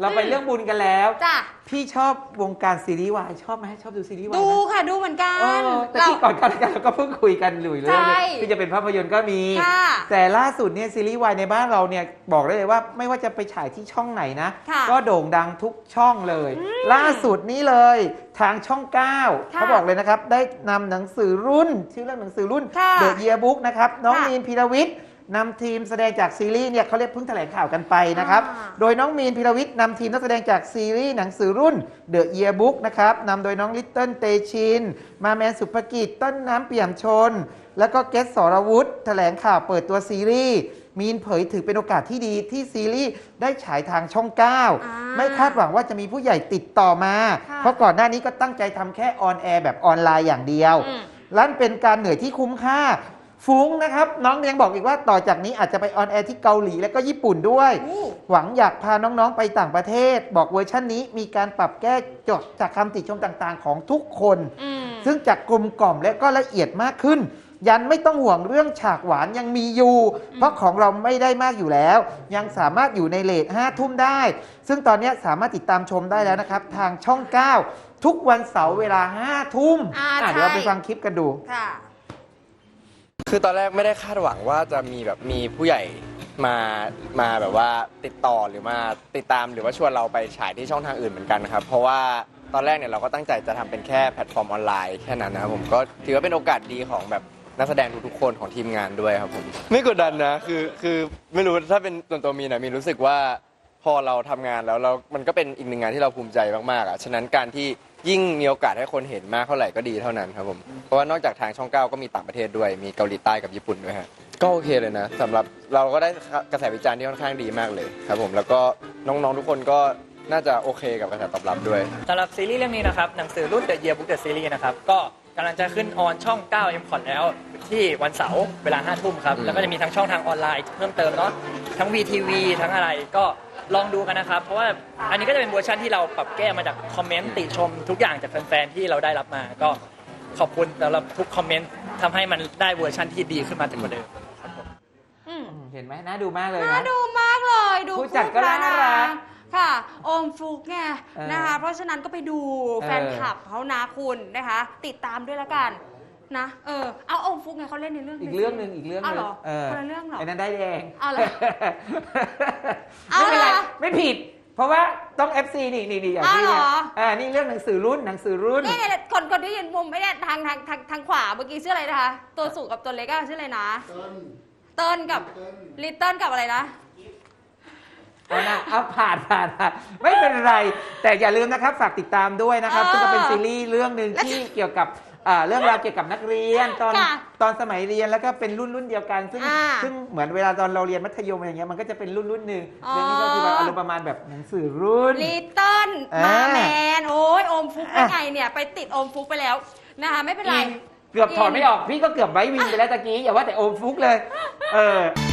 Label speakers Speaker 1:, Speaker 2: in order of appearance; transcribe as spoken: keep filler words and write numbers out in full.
Speaker 1: เราไปเรื่องบุญกันแล้ว
Speaker 2: จ้ะ
Speaker 1: พี่ชอบวงการซีรีส์วายชอบไหมชอบดูซีรีส์วาย
Speaker 2: ดูค่ะดูเหมือนกัน
Speaker 1: แต่ที่ก่อนกันเราก็เพิ่งคุยกันอยู่เรื่องที่จะเป็นภาพยนตร์ก็มีแต่ล่าสุดเนี่ยซีรีส์วายในบ้านเราเนี่ยบอกได้เลยว่าไม่ว่าจะไปฉายที่ช่องไหนนะก็โด่งดังทุกช่องเลยล่าสุดนี้เลยทางช่องเก้าเขาบอกเลยนะครับได้นำหนังสือรุ่นชื่อเรื่องหนังสือรุ่น The Yearbook นะครับน้องมีนพีรวิทย์นำทีมแสดงจากซีรีส์เนี่ยเขาเรียกเพิ่งแถลงข่าวกันไปนะครับโดยน้องมีนพีรวิทย์นำทีมนักแสดงจากซีรีส์หนังสือรุ่น The Yearbook นะครับนำโดยน้องลิตเติ้ลเตชินมาแมนสุภกิจต้นน้ำเปี่ยมชนแล้วก็เกสสรวุฒิแถลงข่าวเปิดตัวซีรีส์มีนเผยถือเป็นโอกาสที่ดีที่ซีรีส์ได้ฉายทางช่องเก้าไม่คาดหวังว่าจะมีผู้ใหญ่ติดต่อมาเพราะก่อนหน้านี้ก็ตั้งใจทำแค่ออนแอร์แบบออนไลน์อย่างเดียวนั่นเป็นการเหนื่อยที่คุ้มค่าฟุ้งนะครับน้องยังบอกอีกว่าต่อจากนี้อาจจะไปออนแอร์ที่เกาหลีและก็ญี่ปุ่นด้วยหวังอยากพาน้องๆไปต่างประเทศบอกเวอร์ชันนี้มีการปรับแก้จดจากคำติชมต่างๆของทุกคนซึ่งจากกลมกล่อมและก็ละเอียดมากขึ้นยันไม่ต้องห่วงเรื่องฉากหวานยังมีอยู่เพราะของเราไม่ได้มากอยู่แล้วยังสามารถอยู่ในเรทห้าทุ่มได้ซึ่งตอนนี้สามารถติดตามชมได้แล้วนะครับทางช่องเก้าทุกวันเสาร์เวลาห้าทุ่มเดี๋ยวเราไปฟังคลิปกันดู
Speaker 3: คือตอนแรกไม่ได้คาดหวังว่าจะมีแบบมีผู้ใหญ่มามาแบบว่าติดต่อหรือมาติดตามหรือว่าชวนเราไปฉายที่ช่องทางอื่นเหมือนกันนะครับเพราะว่าตอนแรกเนี่ยเราก็ตั้งใจจะทำเป็นแค่แพลตฟอร์มออนไลน์แค่นั้นนะครับผมก็ถือว่าเป็นโอกาสดีของแบบนักแสดงทุกๆคนของทีมงานด้วยครับผมไม่กดดันนะคือคือไม่รู้ถ้าเป็นส่วนตัวมีนะมีรู้สึกว่าพอเราทำงานแล้วเรามันก็เป็นอีกหนึ่งงานที่เราภูมิใจมากๆอ่ะฉะนั้นการที่ยิ่งมีโอกาสให้คนเห็นมากเท่าไหร่ก็ดีเท่านั้นครับผมเพราะว่านอกจากทางช่องเก้าก็มีต่างประเทศด้วยมีเกาหลีใต้กับญี่ปุ่นด้วยฮะก็โอเคเลยนะสำหรับเราก็ได้กระแสวิจารณ์ที่ค่อนข้างดีมากเลยครับผมแล้วก็น้องๆทุกคนก็น่าจะโอเคกับกระแสตอบรับด้วย
Speaker 4: สำหรับซีรีส์เรื่องนี้นะครับหนังสือรุ่น The Yearbook The Series นะครับก็กำลังจะขึ้นออนช่องเก้า เอ็ม คอท แล้วที่วันเสาร์เวลาห้าทุ่มครับแล้วก็จะมีทั้งช่องทางออนไลน์เพิ่มเติมเนาะทั้ง วี ที วี ทั้งอะไรก็ลองดูกันนะครับเพราะว่าอันนี้ก็จะเป็นเวอร์ชันที่เราปรับแก้มาจากคอมเมนต์ติชมทุกอย่างจากแฟนๆที่เราได้รับมาก็ขอบคุณสำหรับทุกคอมเมนต์ทำให้มันได้เวอร์ชันที่ดีขึ้นมาถึงกว่าเดิมครับผม
Speaker 1: เห็นไหมน่าดูมากเลยนะ
Speaker 2: น่าดูมากเลยดู
Speaker 1: ผู้จัดก็น่ารัก
Speaker 2: ค่ะโอมฟุกไงนะคะเพราะฉะนั้นก็ไปดูแฟนคลับเขานะคุณนะคะติดตามด้วยละกันนะเออเอาโอมฟุกไงเขาเล่นในเรื่อง
Speaker 1: อีกเรื่องหนึ่งอีกเรื่องนึง
Speaker 2: เออคนละเรื่องหรอ
Speaker 1: ไอ้นั้นได้แดง
Speaker 2: เอาเลย
Speaker 1: ไม่เป็นไรไม่ผิดเพราะว่าต้อง เอฟ ซี นี่นี่นี่อย่างที่เนี่ยอ่านี่เรื่องหนังสือรุ่นหนังสือรุ่น
Speaker 2: นี่คนคนที่ยืนมุมไม่ได้ทางทางทางทางขวาเมื่อกี้ชื่ออะไรนะคะตัวสูงกับตัวเล็กอะชื่ออะไรนะเติ้ลกับลิตเติ้ลกับอะไรนะ
Speaker 1: เอานะเอาผ่านผ่านผ่านไม่เป็นไรแต่อย่าลืมนะครับฝากติดตามด้วยนะครับซึ่งก็เป็นซีรีส์เรื่องหนึ่งที่เกี่ยวกับเรื่องราวเกี่ยวกับนักเรียนตอนตอนสมัยเรียนแล้วก็เป็นรุ่นรุ่นเดียวกันซึ่งซึ่งเหมือนเวลาตอนเราเรียนมัธยมอะไรเงี้ยมันก็จะเป็นรุ่นรุ่นหนึ่งเรื่องนี้ก็คืออารมณ์ประมาณแบบหนังสือรุ่น
Speaker 2: ลิตเติ้ลมาแมนโอ้ยโอมฟุกเป็นไงเนี่ยไปติดโอมฟุกไปแล้วนะคะไม่เป็นไร
Speaker 1: เกือบถอดไม่ออกพี่ก็เกือบไว้วินไปแล้วตะกี้อย่าว่าแต่โอมฟุกเลยเออ